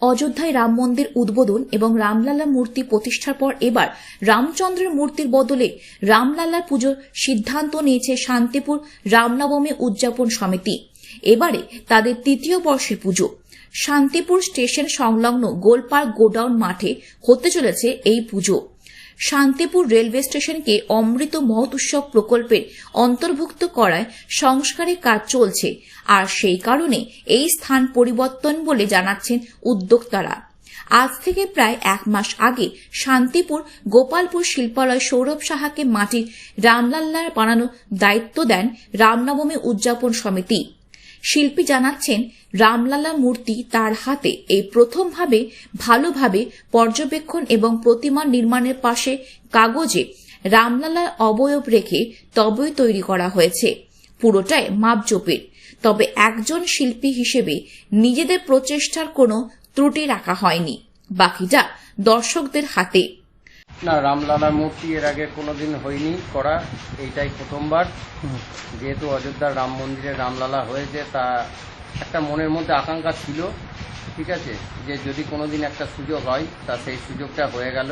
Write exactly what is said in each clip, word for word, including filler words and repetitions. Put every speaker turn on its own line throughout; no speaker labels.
অযোধ্যায় রাম মন্দির উদ্বোধন এবং রামলালা মূর্তি প্রতিষ্ঠার পর এবার রামচন্দ্রের মূর্তির বদলে রামলালার পুজোর সিদ্ধান্ত নিয়েছে শান্তিপুর রামনবমী উদযাপন সমিতি। এবারে তাদের তৃতীয় বর্ষের পুজো। শান্তিপুর স্টেশন সংলগ্ন গোলপার্ক গোডাউন মাঠে হতে চলেছে এই পুজো। শান্তিপুর রেলওয়ে স্টেশনকে অমৃত মহোৎসব প্রকল্পের অন্তর্ভুক্ত করায় সংস্কারের কাজ চলছে, আর সেই কারণে এই স্থান পরিবর্তন বলে জানাচ্ছেন উদ্যোক্তারা। আজ থেকে প্রায় এক মাস আগে শান্তিপুর গোপালপুর শিল্পালয় সৌরভ সাহাকে মাটির রামলাল্লার বানানোর দায়িত্ব দেন রামনবমী উদযাপন সমিতি। শিল্পী জানাচ্ছেন, রামলালা মূর্তি তার হাতে এই প্রথমভাবে ভালোভাবে পর্যবেক্ষণ এবং প্রতিমা নির্মাণের পাশে কাগজে রামলালার অবয়ব রেখে তবেই তৈরি করা হয়েছে। পুরোটাই মাপজোপের। তবে একজন শিল্পী হিসেবে নিজেদের প্রচেষ্টার কোনো ত্রুটি রাখা হয়নি, বাকিটা দর্শকদের হাতে।
না, রামলালার মূর্তি এর আগে কোনোদিন হয়নি করা, এইটাই প্রথমবার। যেহেতু অযোধ্যার রাম মন্দিরে রামলালা হয়েছে, তা একটা মনের মধ্যে আকাঙ্ক্ষা ছিল, ঠিক আছে, যে যদি কোনোদিন একটা সুযোগ হয়, তা সেই সুযোগটা হয়ে গেল।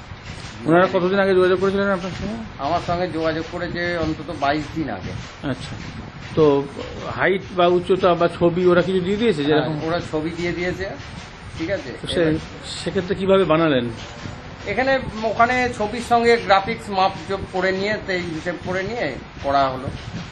ওনারা কতদিন আগে যোগাযোগ করেছিলেন আপনার সঙ্গে?
আমার সঙ্গে যোগাযোগ করেছে অন্তত বাইশ দিন আগে।
আচ্ছা, তো হাইট বা উচ্চতা বা ছবি ওরা কিছু দিয়ে দিয়েছে? যেরকম
ওরা ছবি দিয়ে দিয়েছে, ঠিক আছে।
সেক্ষেত্রে কিভাবে বানালেন?
এখানে ওখানে ছবির সঙ্গে গ্রাফিক্স মাপ যোগ করে নিয়ে সেই হিসেব করে নিয়ে করা হলো।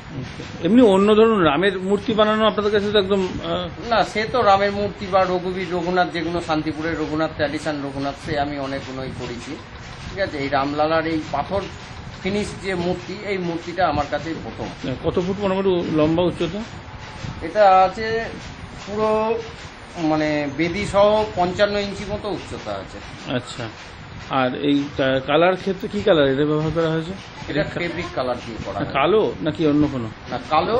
এমনি অন্য ধরুন রামের মূর্তি বানানো আপনাদের কাছে তো একদম
না, সে তো রামের মূর্তি বা রঘুবীর রঘুনাথ, যেগুলো শান্তিপুরের রঘুনাথ ট্র্যাডিশন রঘুনাথ, সে আমি অনেকগুলোই করেছি, ঠিক আছে। এই রামলালার এই পাথর ফিনিশ যে মূর্তি, এই মূর্তিটা আমার কাছে প্রথম।
কত ফুট মোটামুটি লম্বা উচ্চতা?
এটা আছে পুরো মানে বেদি সহ পঞ্চান্ন ইঞ্চি মতো উচ্চতা আছে।
আচ্ছা, আর এই কালার ক্ষেত্রে কি কালার এটা ব্যবহার করা হয়েছে?
এটা ফেব্রিক কালার দিয়ে করা।
কালো নাকি অন্য কোনো?
না, কালো,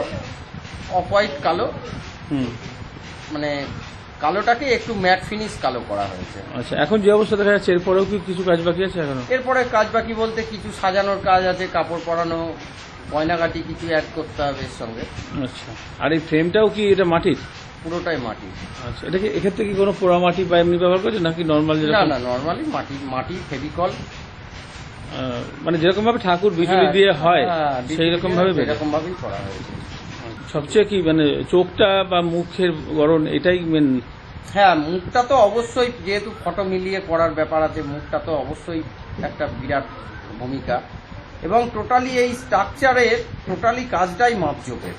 অফ হোয়াইট কালো।
হুম,
মানে কালোটাকে একটু ম্যাট ফিনিশ কালো করা হয়েছে।
আচ্ছা, এখন যে অবস্থা দেখা যাচ্ছে, এরপরেও কি কিছু কাজ বাকি আছে এখনো?
এরপরে কাজ বাকি বলতে কিছু সাজানোর কাজ আছে, কাপড় পরানো, গয়নাগাটি কিছু অ্যাড করতে হবে এর সঙ্গে।
আচ্ছা, আর এই ফ্রেমটাও কি এটা মাটির?
পুরোটাই মাটি।
আচ্ছা, এটা কি এক্ষেত্রে কি কোনো পোড়া মাটি বা এমনি ব্যবহার করছে নাকি নর্মাল?
না না, নর্মালি মাটি, মাটি ফেভিকল,
মানে যেরকম ভাবে ঠাকুর বিজলি দিয়ে হয় সেই রকম ভাবে
এরকম ভাবেই করা হয়েছে।
সবচেয়ে কি মানে চোখটা বা মুখের গড়ন এটাই মেন?
হ্যাঁ, মুখটা তো অবশ্যই, যেহেতু ফটো মিলিয়ে করার ব্যাপার আছে, মুখটা তো অবশ্যই একটা বিরাট ভূমিকা। এবং টোটালি এই স্ট্রাকচারের টোটালি কাজটাই মাপজোপের।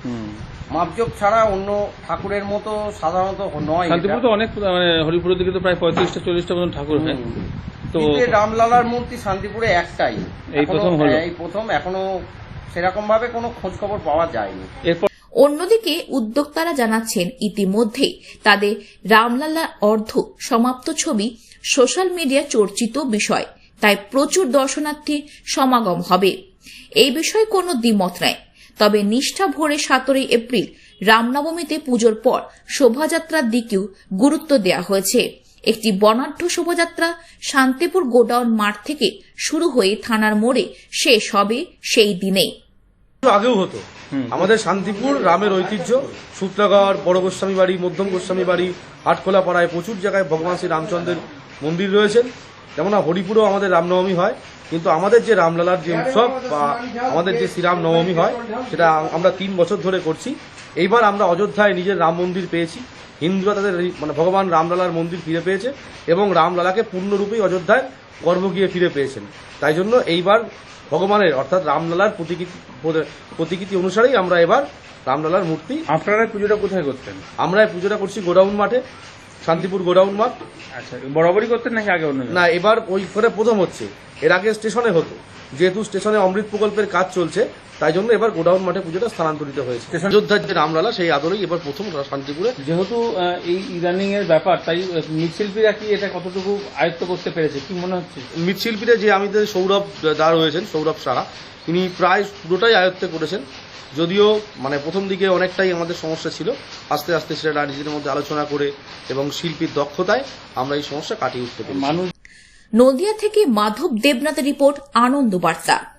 মাপজোপ ছাড়া অন্য ঠাকুরের মতো সাধারণত নয়।
শান্তিপুর তো অনেক, মানে হরিপুরের দিকে তো প্রায় পঁয়ত্রিশটা চল্লিশটা মতন ঠাকুর হয়।
তো রামলালার মূর্তি শান্তিপুরে একটাই, এই প্রথম হলো, এই প্রথম। এখনো সেরকম ভাবে কোনো খোঁজ খবর পাওয়া যায়নি।
অন্যদিকে উদ্যোক্তারা জানাচ্ছেন, ইতিমধ্যে তাদের রামলালা অর্ধ সমাপ্ত ছবি সোশ্যাল মিডিয়া চর্চিত বিষয়, তাই প্রচুর দর্শনার্থীর সমাগম হবে। এই বিষয়ে কোনো দ্বিমত নাই। তবে নিষ্ঠা ভরে সতেরোই এপ্রিল রামনবমীতে পুজোর পর শোভাযাত্রার দিকেও গুরুত্ব দেওয়া হয়েছে। একটি বর্ণাঢ্য শোভাযাত্রা শান্তিপুর গোডাউন মাঠ থেকে শুরু হয়ে থানার মোড়ে শেষ হবে সেই দিনেই।
আগেও হতো আমাদের শান্তিপুর রামের ঐতিহ্য, সূত্রাগড়, বড় গোস্বামী বাড়ি, মধ্যম গোস্বামী বাড়ি, আটখোলা পাড়ায় প্রচুর জায়গায় ভগবান শ্রী রামচন্দ্রের মন্দির রয়েছেন। যেমন হরিপুরেও আমাদের রামনবমী হয়, কিন্তু আমাদের যে রামলালার যে উৎসব বা আমাদের যে শ্রীরাম নবমী হয়, সেটা আমরা তিন বছর ধরে করছি। এইবার আমরা অযোধ্যায় নিজের রাম মন্দির পেয়েছি, হিন্দুরা তাদের মানে ভগবান রামলালার মন্দির ফিরে পেয়েছে এবং রামলালাকে পূর্ণরূপেই অযোধ্যায় গর্ভ গিয়ে ফিরে পেয়েছেন। তাই জন্য এইবার ভগবানের অর্থাৎ রামলালার প্রতিকৃতি প্রতিকৃতি অনুসারেই আমরা এবার রামলালার মূর্তি।
আপনারা পুজোটা কোথায় করতেন?
আমরা পুজোটা করছি গোডাউন মাঠে, শান্তিপুর গোডাউন মাঠ।
আচ্ছা, বরাবরই করতেন নাকি আগে অন্য?
না, এবার ওই করে প্রথম হচ্ছে। এর আগে স্টেশনে হতো, যেহেতু স্টেশনে অমৃত প্রকল্পের কাজ চলছে, তাই জন্য এবার গোডাউন মাঠে পুজোটা স্থানান্তরিত হয়েছে। অযোধ্যার যে রামলালা সেই আদলেই এবার প্রথম শান্তিপুরে।
যেহেতু এই ইদানিং এর ব্যাপার, তাই মৃৎশিল্পীরা কি এটা কতটুকু আয়ত্ত করতে পেরেছে কি মনে হচ্ছে?
মৃৎশিল্পীরা যে আমাদের সৌরভ দা রয়েছেন, সৌরভ সাহা, তিনি প্রায় পুরোটাই আয়ত্তে করেছেন। যদিও মানে প্রথম দিকে অনেকটাই আমাদের সমস্যা ছিল, আস্তে আস্তে সেটা নিজেদের মধ্যে আলোচনা করে এবং শিল্পীর দক্ষতায় আমরা এই সমস্যা কাটিয়ে উঠতে পারি।
নদিয়া থেকে মাধব দেবনাথের রিপোর্ট, আনন্দ বার্তা।